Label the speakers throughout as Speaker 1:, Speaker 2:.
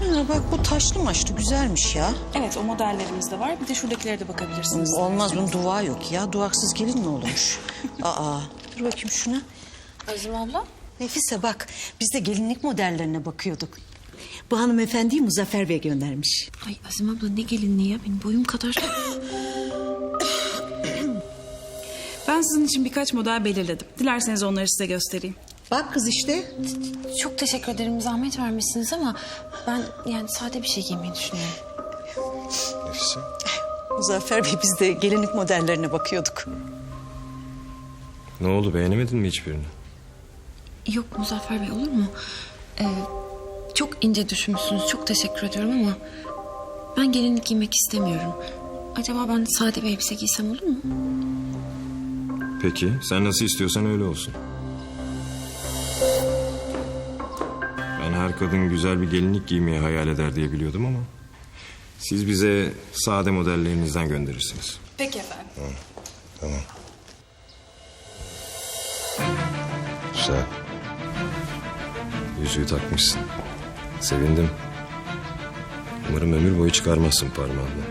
Speaker 1: Bak bu taşlı maçlı güzelmiş ya.
Speaker 2: Evet, o modellerimiz de var. Bir de şuradakilere de bakabilirsiniz.
Speaker 1: Olmaz, bunun duvağı yok ya. Duvaksız gelin mi olurmuş? Aa, dur bakayım şuna.
Speaker 3: Azim abla.
Speaker 1: Nefise bak, biz de gelinlik modellerine bakıyorduk. Bu hanımefendiyi Muzaffer Bey göndermiş.
Speaker 3: Ay Azim abla ne gelinliği ya, benim boyum kadar.
Speaker 2: Ben sizin için birkaç model belirledim. Dilerseniz onları size göstereyim.
Speaker 1: Bak kız işte.
Speaker 3: Çok teşekkür ederim, zahmet vermişsiniz ama ben yani sade bir şey giymeyi düşünüyorum.
Speaker 4: Nefise.
Speaker 1: Muzaffer Bey, biz de gelinlik modellerine bakıyorduk.
Speaker 4: Ne oldu, beğenemedin mi hiçbirini?
Speaker 3: Yok Muzaffer Bey, olur mu? Çok ince düşünmüşsünüz, çok teşekkür ediyorum ama ben gelinlik giymek istemiyorum. Acaba ben sade bir elbise giysem olur mu?
Speaker 4: Peki, sen nasıl istiyorsan öyle olsun. Ben her kadın güzel bir gelinlik giymeyi hayal eder diye biliyordum ama... siz bize sade modellerinizden gönderirsiniz.
Speaker 2: Peki efendim.
Speaker 4: Tamam. Güzel. Yüzüğü takmışsın. Sevindim. Umarım ömür boyu çıkarmazsın parmağını.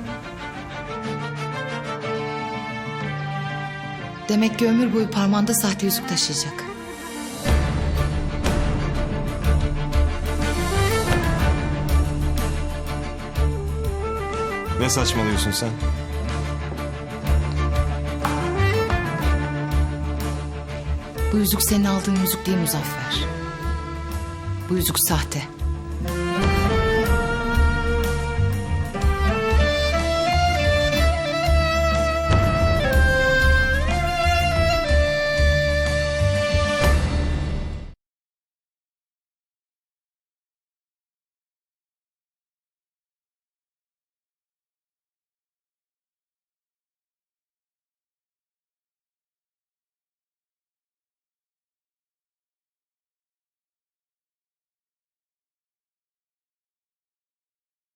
Speaker 5: Demek ki ömür boyu parmağında sahte yüzük taşıyacak.
Speaker 4: Ne saçmalıyorsun sen?
Speaker 5: Bu yüzük senin aldığın yüzük değil Muzaffer. Bu yüzük sahte.